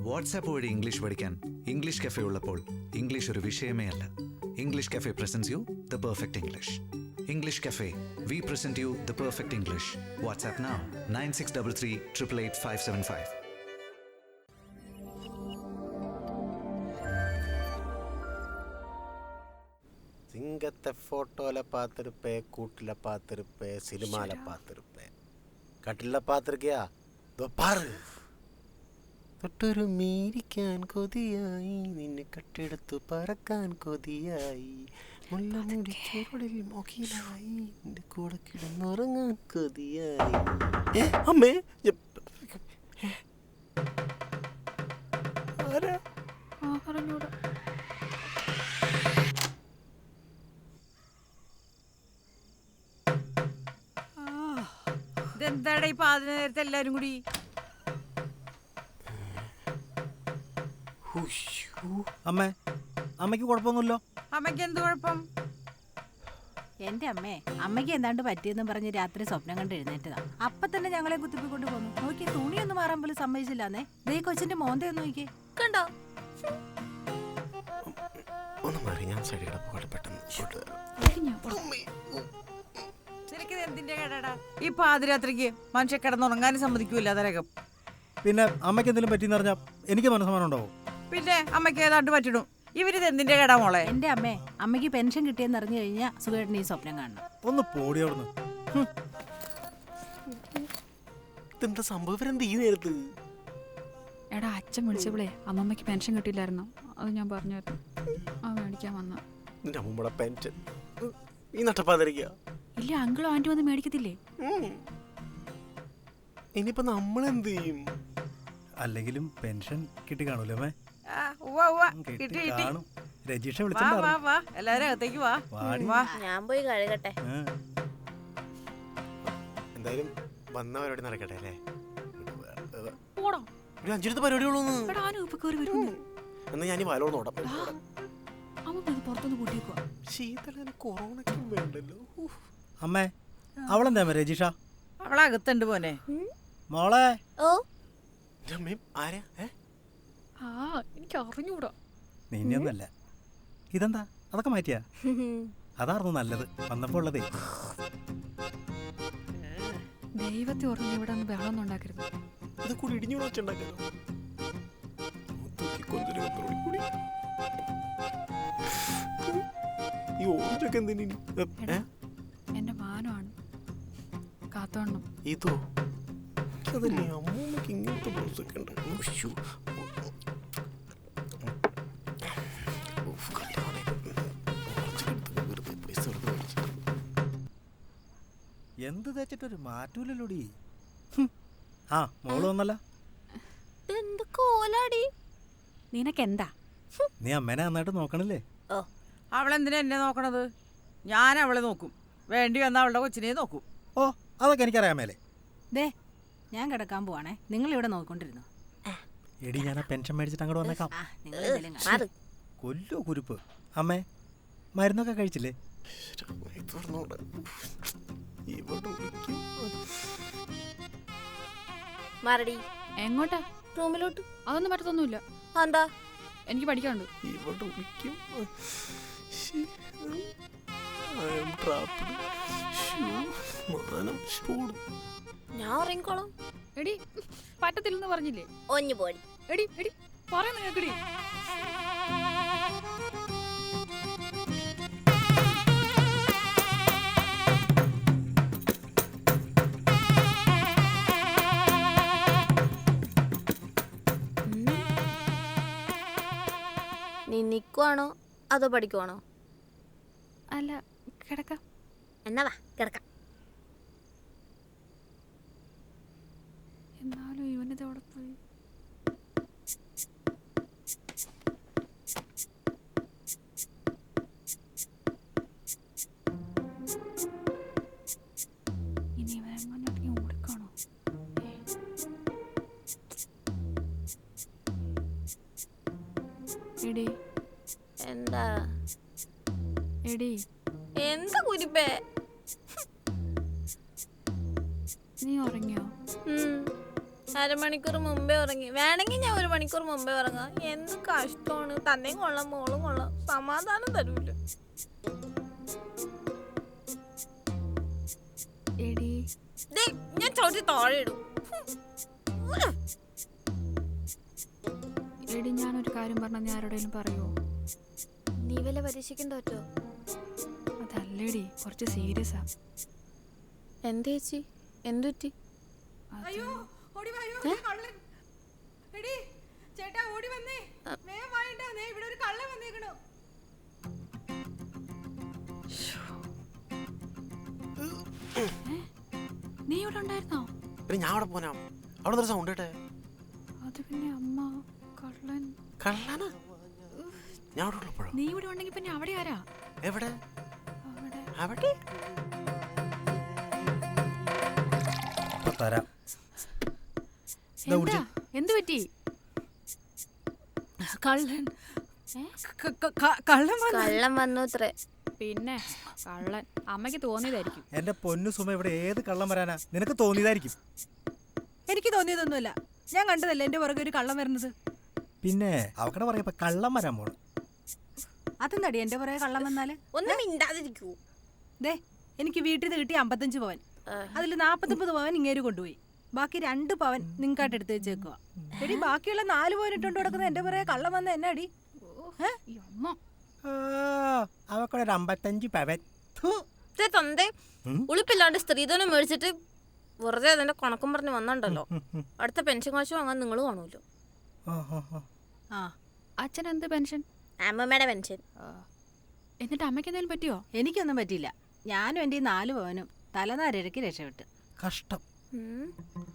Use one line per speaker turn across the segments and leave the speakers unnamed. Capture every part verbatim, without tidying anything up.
WhatsApp വഴി English പഠിക്കാൻ English cafe ഉള്ളപ്പോൾ ഇംഗ്ലീഷ് ഒരു വിഷയമേ അല്ല. English cafe presents you the perfect English. English cafe, we present you the perfect English. WhatsApp now nine six double three triple eight five seven five.
சிங்கத்தை ஃபோட்டோவில் பார்த்துருப்பேன், கூட்டில் பார்த்துருப்பேன், சினிமாவில் பார்த்துருப்பேன், கட்டில் பார்த்துருக்கியா? இதோ பாரு. തൊട്ടൊരു മീരിക്കാൻ കൊതിയായി, നിന്നെ കട്ടെടുത്തു പറക്കാൻ കൊതിയായി, മുല്ലമുടി ചുരുളിൽ മൊക്കിലായി, നിന്റെ കൂടെ കിടന്നുറങ്ങാൻ കൊതിയായി. അമ്മേ, ആരാ?
ഇതെന്താടാ ഈ പാതിര നേരത്തെ എല്ലാരും കൂടി?
അമ്മേ, അമ്മയ്ക്ക് കുഴപ്പമൊന്നുമില്ലോ?
അമ്മയ്ക്ക് എന്ത് കുഴപ്പം?
എന്റെ അമ്മേ, അമ്മയ്ക്ക് എന്താണ്ട് പറ്റിയെന്നും പറഞ്ഞ് രാത്രി സ്വപ്നം കണ്ട് എഴുന്നേറ്റതാ. അപ്പൊ തന്നെ ഞങ്ങളെ കുത്തിപ്പിക്കൊണ്ട് പോന്നു. നോക്കി, തുണിയൊന്നും മാറാൻ പോലും സമ്മതിച്ചില്ലാന്നേ. ദേ കൊച്ചിന്റെ മോന്തയൊന്നും നോക്കിയേ, കണ്ടോ?
ഒന്ന് മാറി, ഞാൻ സൈഡിൽ കിടപ്പ് പെട്ടെന്ന്.
ശരിക്കും എന്തിന്റെ കേടാ ഈ പാതിരാത്രിക്ക് മനുഷ്യ കിടന്നുറങ്ങാനും സമ്മതിക്കൂല അതരകം.
പിന്നെ അമ്മയ്ക്ക് എന്തെങ്കിലും പറ്റിയെന്ന് പറഞ്ഞാൽ എനിക്ക് മനസ്സമാനം ഉണ്ടാവും.
പിന്നെ അമ്മയ്ക്ക് ഏതാണ്ട് പറ്റിടും. ഇവരിത് എന്തിന്റെ കേടാ മോളെ?
എന്റെ അമ്മേ, അമ്മയ്ക്ക് പെൻഷൻ കിട്ടിയെന്ന് അറിഞ്ഞു കഴിഞ്ഞാൽ സുഖേട്ടൻ ഈ സ്വപ്നം കാണണം.
ഒന്ന് പോടി അവിടുന്ന്.
എന്താ സംഭവം എന്ത് ഈ നേരത്ത്?
എടാ, അച്ഛൻ വിളിച്ചപ്പോളേ അമ്മമ്മയ്ക്ക് പെൻഷൻ കിട്ടിയില്ലായിരുന്നു. അത് ഞാൻ പറഞ്ഞായിരുന്നു. ആ മേടിക്കാൻ വന്ന
നിന്റെ അമ്മൂമ്മയുടെ പെൻഷൻ ഈ നട്ടപ്പാതിരിക്കുക.
ഇല്ല, അങ്കിളും ആന്റി വന്ന് മേടിക്കത്തില്ലേ?
ഇനിയിപ്പോ നമ്മളെന്ത് ചെയ്യും?
അല്ലെങ്കിലും പെൻഷൻ കിട്ടി കാണൂലേ അമ്മേ? രജീഷ
എല്ലാരും അകത്തേക്ക് വാ.
ഞാൻ പോയി കഴുകട്ടെ.
എന്തായാലും വന്ന പരിപാടി നടക്കട്ടെ അല്ലേ? ഒരു അഞ്ചെടുത്ത് പരിപാടികളൊന്നും എന്നാ ഞാൻ വയലോട് നോടാം. കൊറോണയ്ക്കും വേണ്ടല്ലോ.
അമ്മേ, അവളെന്താ രജീഷ?
അവളകത്തുണ്ട് പോനെ.
മോളെ.
ഓ
ആരാ?
എനിക്ക് അറിഞ്ഞൂടാ.
നിന്നൊന്നല്ല. ഇതെന്താ അതൊക്കെ മാറ്റിയാ? അതായിരുന്നു നല്ലത് വന്നപ്പോ ഉള്ളതേ.
ദൈവത്തെ ഓർമ്മ ഇവിടെ ഒന്ന് ബഹളം ഒന്നും ഉണ്ടാക്കരുത്.
ഇത് കൂടി ഇടിഞ്ഞു വെച്ചുണ്ടാക്കാനോ? ഈ ഓറഞ്ചൊക്കെ എന്തിനു?
എന്റെ മാനമാണ് കാത്തോണം.
ഇതോ? അതല്ലേ അമ്മൂമ്മക്ക് ഇങ്ങനത്തെ ബ്ലൗസൊക്കെ ഉണ്ട്.
എന്ത് തേച്ചിട്ടൊരു മാറ്റൂലല്ലോടി. ആ മോള് വന്നല്ല.
നിനക്കെന്താ?
നീ അമ്മേനെ നന്നായിട്ട് നോക്കണില്ലേ?
അവളെന്തിനാ എന്നെ നോക്കണത്? ഞാൻ അവളെ നോക്കും. വേണ്ടി വന്ന അവളുടെ കൊച്ചിനെ നോക്കും.
ഓ, അതൊക്കെ എനിക്കറിയാമേലേ.
ദേ, ഞാൻ കിടക്കാൻ പോവാണേ. നിങ്ങൾ ഇവിടെ നോക്കിക്കൊണ്ടിരുന്നു.
എടി, ഞാൻ ആ പെൻഷൻ മേടിച്ചിട്ട് അങ്ങോട്ട് വന്നേക്കാം. കൊല്ലോ കുരുപ്പ്. അമ്മേ, മരുന്നൊക്കെ കഴിച്ചില്ലേ?
മാറടി.
എങ്ങോട്ടാ?
റൂമിലോട്ട്.
അതൊന്നും പറ്റത്തൊന്നുമില്ല.
എന്താ?
എനിക്ക് പഠിക്കാനുണ്ട്.
ഞാൻ ഉറങ്ങിക്കോളാം.
എടി, പറ്റത്തില്ലെന്ന് പറഞ്ഞില്ലേ?
ഒഞ്ഞു പോടി.
എടി എടി പറയുന്ന കേക്കടി.
നീ നിക്കുവാണോ അതോ പഠിക്കുവാണോ?
അല്ല, കിടക്കാം.
എന്നാ വാ കിടക്കാം.
എന്നാലും ഇവനിത് അവിടെ പോയി. ഇനി ഇവനെങ്ങനെ ഓടിക്കാണോ? എടി.
എന്താ?
എടി.
എന്താ കുരിപ്പേ?
നീ ഉറങ്ങിയോ?
അരമണിക്കൂർ മുമ്പേ ഉറങ്ങി. വേണമെങ്കിൽ ഞാൻ ഒരു മണിക്കൂർ മുമ്പേ ഉറങ്ങാം. എന്ത് കഷ്ടമാണ്. തന്നെയും കൊള്ളാം, മോളും കൊള്ളാം, സമാധാനം തരൂല.
എടി
ദേ, ഞാൻ ചവിട്ടി താഴെ ഇടും.
എടി ഞാനൊരു കാര്യം പറഞ്ഞാൽ നീ ആരോടെങ്കിലും പറയുമോ?
നീ വല്ല പരീക്ഷിക്കാൻ തോറ്റോ?
അതല്ലേടി, കുറച്ച് സീരിയസാ.
എന്ത് ചേച്ചി, എന്തു പറ്റി?
അയ്യോ ഓടി വായോ, കള്ളൻ. എടി ചേട്ടാ ഓടി വന്നേ, വേഗം വായണ്ട, ദേ ഇവിടെ ഒരു കള്ളൻ വന്നേക്കണു.
നീ ഇവിടെ ഉണ്ടായിരുന്നോ?
പിന്നെ ഞാൻ അവിടെ പോനാ, അവിടെ ഒരു സൗണ്ട് കേട്ടെ.
അത് പിന്നെ അമ്മ കള്ളൻ.
കള്ളനാ? ഞാൻ അവിടെ ഉള്ളപ്പോഴോ?
നീ ഇവിടെ ഉണ്ടെങ്കിൽ പിന്നെ അവിടെ ആരാ?
എവിടെ?
അവിടെ.
അവിടെ
തരാം.
എന്താ? എന്ത് പറ്റി?
കള്ളൻ ക- ക- ക- കള്ളൻ വന്നു.
കള്ളം വന്നു അത്രേ.
പിന്നെ കള്ളൻ അമ്മയ്ക്ക് തോന്നിയതായിരിക്കും.
എന്റെ പൊന്നു സുമ, ഇവിടെ ഏത് കള്ളം വരാനാ? നിനക്ക് തോന്നിയതായിരിക്കും.
എനിക്ക് തോന്നിയതൊന്നുമില്ല, ഞാൻ കണ്ടതല്ലേ എന്റെ പുറകെ ഒരു കള്ളം വരുന്നത്.
പിന്നെ അവക്കടെ പറയപ്പോ കള്ളം വരാൻ പോണം.
അതെന്താടി എന്റെ പുറകെ കള്ളം വന്നാല്?
ഒന്നും മിണ്ടാതിരിക്കൂ.
ദേ എനിക്ക് വീട്ടിൽ നിന്ന് കിട്ടിയ അമ്പത്തഞ്ച് പവൻ, അതിൽ നാപ്പത്തൊമ്പത് പവൻ ഇങ്ങേര് കൊണ്ടുപോയി. ബാക്കി രണ്ട് പവൻ നിങ്ങൾക്കായിട്ട് എടുത്ത് വെച്ചേക്കുക. എടി ബാക്കിയുള്ള നാല് പവൻ ഇട്ടോണ്ട് കൊടുക്കുന്ന എന്റെ പുറകെ കള്ളം വന്ന എന്നാടി?
ഈ അമ്മ
അവക്കടെ ഒരു അമ്പത്തഞ്ച് പവൻ.
ദേ തന്തേ,
ഉം?
ഉളുപ്പില്ലാണ്ട് സ്ത്രീധനം മേടിച്ചിട്ട് വെറുതെ അതിന്റെ കണക്കും പറഞ്ഞ് വന്നിട്ടുണ്ടല്ലോ. അടുത്ത പെൻഷൻ കാശ് വാങ്ങാൻ നിങ്ങൾ കാണൂല്ലോ.
ആ
അച്ഛൻ എന്ത് പെൻഷൻ?
അമ്മമ്മയുടെ പെൻഷൻ.
എന്നിട്ട് അമ്മയ്ക്ക് എന്തെങ്കിലും പറ്റിയോ?
എനിക്കൊന്നും പറ്റിയില്ല. ഞാനും എൻ്റെ ഈ നാല് പവനും തലനാരിഴയ്ക്ക് രക്ഷപ്പെട്ട്.
കഷ്ടം.
ഉം.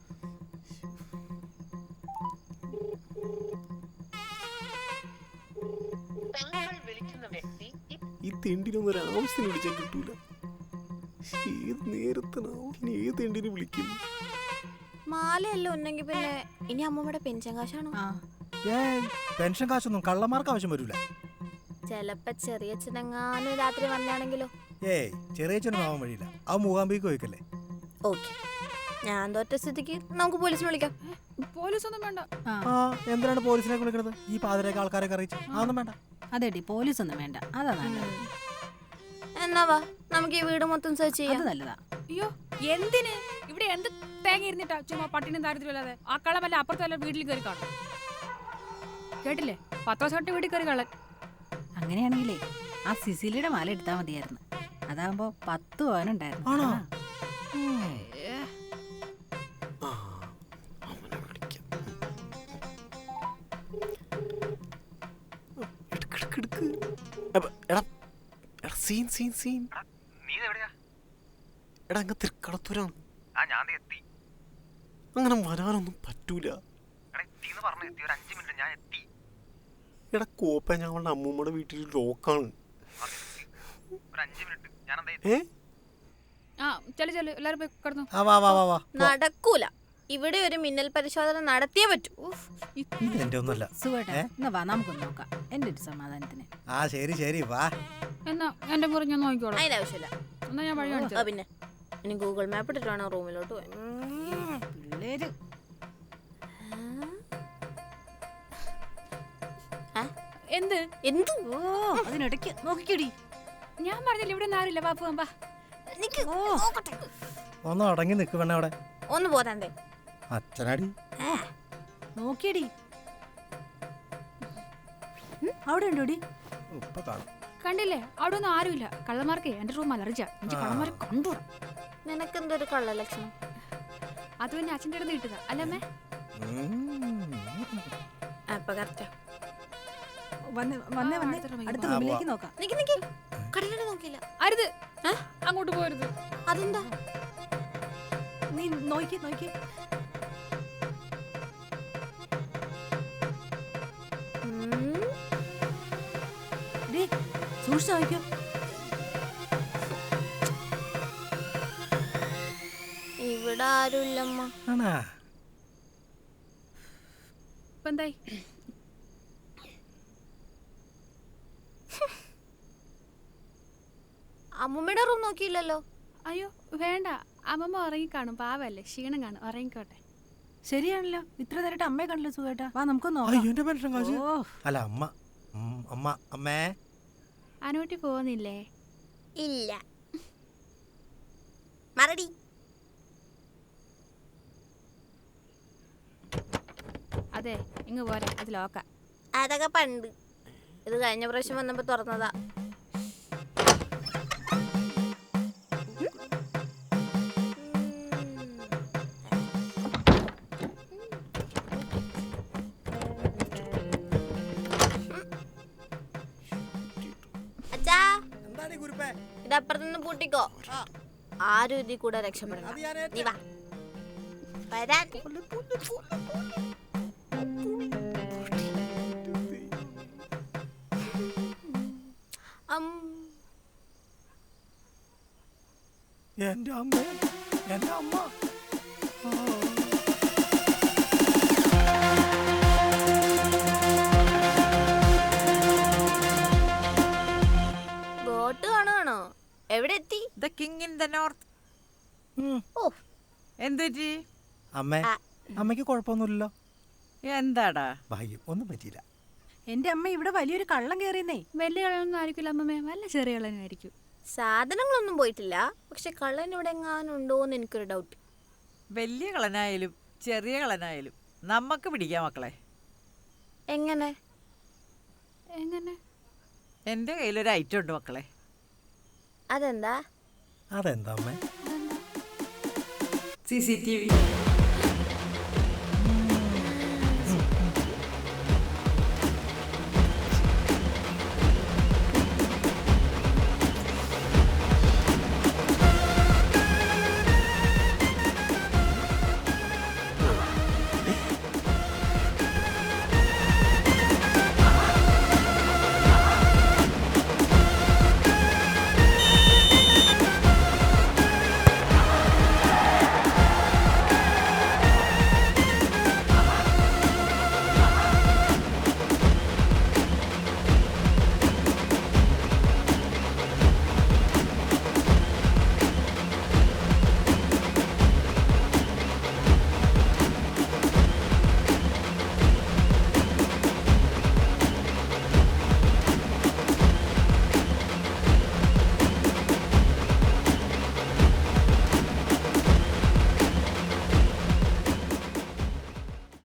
ഈ തെണ്ടിനൊന്നും ഒരു ആവശ്യത്തിന് വിളിച്ചാൽ കിട്ടൂല. ഏത് നേരത്തിനാവും ഇനി ഏത് തെണ്ടിനെ വിളിക്കും?
മാലയല്ലോ ഉണ്ടെങ്കിൽ പിന്നെ ഇനി അമ്മമ്മയുടെ പെൻഷൻ കാശാണോ?
ആ
ഏയ് പെൻഷൻ കാശൊന്നും കള്ളന്മാർക്ക് ആവശ്യം വരൂല.
ചെലപ്പോ ചെറിയ ചിനങ്ങാനും രാത്രി വന്നാണെങ്കിലോ?
ഏയ് ചെറിയ ചെറിയ ആവാൻ വഴിയില്ല. ആ മൂകാംബിക്ക് പോയിക്കല്ലേ.
ഓക്കെ, ഞാൻ തോറ്റ സ്ഥിതിക്ക് നമുക്ക് പോലീസിനെ വിളിക്കാം.
പോലീസൊന്നും വേണ്ട.
ആ
ആ എന്തിനാണ് പോലീസിനെ വിളിക്കണത്? ഈ പാതിരേക്ക് ആൾക്കാരെ അറിയിച്ചു അതൊന്നും വേണ്ട.
അതെടി പോലീസൊന്നും വേണ്ട, അതാ നല്ലത്.
എന്നാ വാ, നമുക്ക് ഈ വീട് മൊത്തം സെർച്ച്
അത്
ചെയ്യാം.
നല്ലതാ.
അയ്യോ എന്തിന്? ഇവിടെ എന്ത് തേങ്ങ ഇരുന്നിട്ടാ ചുമ്മാ പട്ടിനും ദാരിദ്ര്യമല്ലാതെ? ആ കള്ളം വല്ല അപ്പുറത്തെ വല്ല വീട്ടിൽ കയറി കാണും. കേട്ടില്ലേ? പത്ത് ദിവസം തൊട്ട് വീട്ടിൽ കയറി കള്ളൻ.
അങ്ങനെയാണെങ്കിലേ ആ സിസിലിയുടെ മാല എടുത്താൽ മതിയായിരുന്നു. അതാകുമ്പോ പത്ത് പവനുണ്ടായിരുന്നു.
ആണോ?
ആ.
ആ, അവനെ വിളിക്കാം. എടുക്ക്, എടുക്ക്, എടുക്ക്. അപ്പ, എടാ എടാ സീൻ സീൻ സീൻ എടാ അങ്ങ് തൃക്കടത്തൂരാണ്. അങ്ങനെ വരാനൊന്നും പറ്റൂല. എടാ കോപ്പ ഞങ്ങളുടെ അമ്മൂമ്മയുടെ വീട്ടിൽ ലോക്കാണ്. ഏ
ആ ചെല്ലു ചെല്ലു, എല്ലാരും പോയി കിടന്നു.
ആ വാ വാ വാ വാ.
നടക്കൂല. ഇവിടെ ഒരു മിന്നൽ പരിശോധന നടത്തിയേ പറ്റൂ. ഉഫ്.
ഇത് എന്റെ ഒന്നല്ല.
സുഖേട്ടാ എന്നാ വാ നമുക്കൊന്ന് നോക്കാം, എന്റെ ഒരു സമാധാനത്തിന്.
ആ ശരി ശരി വാ.
എന്നാ എന്റെ മുറി ഞാൻ നോക്കിക്കോളാം.
അതിന്റെ ആവശ്യമില്ല.
എന്നാ ഞാൻ വഴി
ആ,
കാണിച്ചു.
പിന്നെ ഇനി ഗൂഗിൾ മാപ്പ് ഇട്ടിട്ട് വേണം റൂമിലോട്ട് പോയി.
പിള്ളേര്
എന്ത്?
എന്ത്?
ഓ അതിനിടയ്ക്ക് നോക്കിക്കടി.
ഞാൻ പറഞ്ഞില്ല ഇവിടെ ഒന്നും ആരില്ല. വാ പോവാം, വാ.
നിക്ക്,
ഓ
നോക്കട്ടെ.
ഒന്ന് അടങ്ങി നിക്ക് വേണേ അവിടെ.
ഒന്ന് പോതാണ്ടേ.
അച്ഛനാടി.
നോക്കിയടി. അവിടെ ഉണ്ടോടി?
ഇപ്പൊ കാണും.
കണ്ടില്ലേ? അവിടെ ഒന്നും ആരുമില്ല. കള്ളന്മാർക്ക് എന്റെ റൂം അലർജിയാ. എനിക്ക് കള്ളന്മാരെ കണ്ടൂടാ.
നിനക്കെന്തൊരു കള്ള ലക്ഷണം?
അത് പിന്നെ അച്ഛൻ്റെ അടുത്ത് കിട്ടുക അല്ലമ്മേ.
അപ്പൊ കറക്റ്റാ.
വന്നേ വന്നേ
ആ,
വന്നേ
അടുത്ത റൂമിലേക്ക്
അടുത്ത
പോവാം.
റൂമിലേക്ക് നോക്കാം.
നിക്ക് നിക്ക്, കടലിൽ നോക്കിയില്ല.
അരുത്, അങ്ങോട്ട് പോരുത്.
അതെന്താ?
നീ നോക്കി നോക്കി.
ഉം.
ഡേ സൂക്ഷിച്ച് നോക്കിയോ.
ഇവിടെ ആരുമില്ലമ്മ.
ആണാ?
ഇപ്പൊ എന്തായി?
അമ്മൂമ്മയുടെ റൂം നോക്കിയില്ലല്ലോ.
അയ്യോ വേണ്ട, അമ്മമ്മ ഉറങ്ങിക്കാണും. പാവല്ലേ, ക്ഷീണം കാണും. ഉറങ്ങിക്കോട്ടെ.
ശരിയാണല്ലോ, ഇത്ര നേരിട്ട് അമ്മയെ കണ്ടല്ലോ സുഖേട്ടാ. വാ നമുക്കൊന്ന്
അയ്യോ
നോക്കാം.
എന്റെ പെൻഷൻ കാശ്.
ഓ
അല്ല അമ്മ ഉം, അമ്മ അമ്മേ
അനുട്ടി പോകുന്നില്ലേ?
ഇല്ല മറടി.
അതെ ഇങ്ങ് പോരാ, അത് ലോക്ക.
അതൊക്കെ പണ്ട്. ഇത് കഴിഞ്ഞ പ്രാവശ്യം വന്നപ്പോ തുറന്നതാ. അച്ഛാ
എന്താണ് ഈ കുരുപ്പേ?
ഇതപ്പുറത്തുനിന്ന് പൂട്ടിക്കോ. ആരും ഇതിൽ കൂടെ രക്ഷപ്പെടണം. നീ വാ വരാൻ. അം.
എന്റെ അമ്മ എന്റെ അമ്മ ആ.
ബോട്ട് കാണുവാണോ? എവിടെ എത്തി?
The king in the north.
ഉം.
ഓ
എന്തുപറ്റി?
അമ്മേ
ആ.
അമ്മയ്ക്ക് കുഴപ്പമൊന്നുമില്ലല്ലോ.
എന്താടാ?
ഭാഗ്യം ഒന്നും പറ്റിയില്ല.
എന്റെ അമ്മ ഇവിടെ വലിയൊരു കള്ളം കയറിയെന്നേ.
വലിയ കളനൊന്നും ആയിരിക്കില്ല അമ്മമ്മേ, വല്ല ചെറിയ കളനായിരിക്കും.
സാധനങ്ങളൊന്നും പോയിട്ടില്ല, പക്ഷെ കള്ളൻ ഇവിടെ എങ്ങാനും ഉണ്ടോന്ന് എനിക്കൊരു ഡൗട്ട്.
വലിയ കളനായാലും ചെറിയ കളനായാലും നമുക്ക് പിടിക്കാം മക്കളെ.
എങ്ങനെ?
എങ്ങനെ?
എൻ്റെ കയ്യിലൊരു ഐറ്റം ഉണ്ട് മക്കളെ.
അതെന്താ?
അതെന്താ അമ്മേ?
C C T V.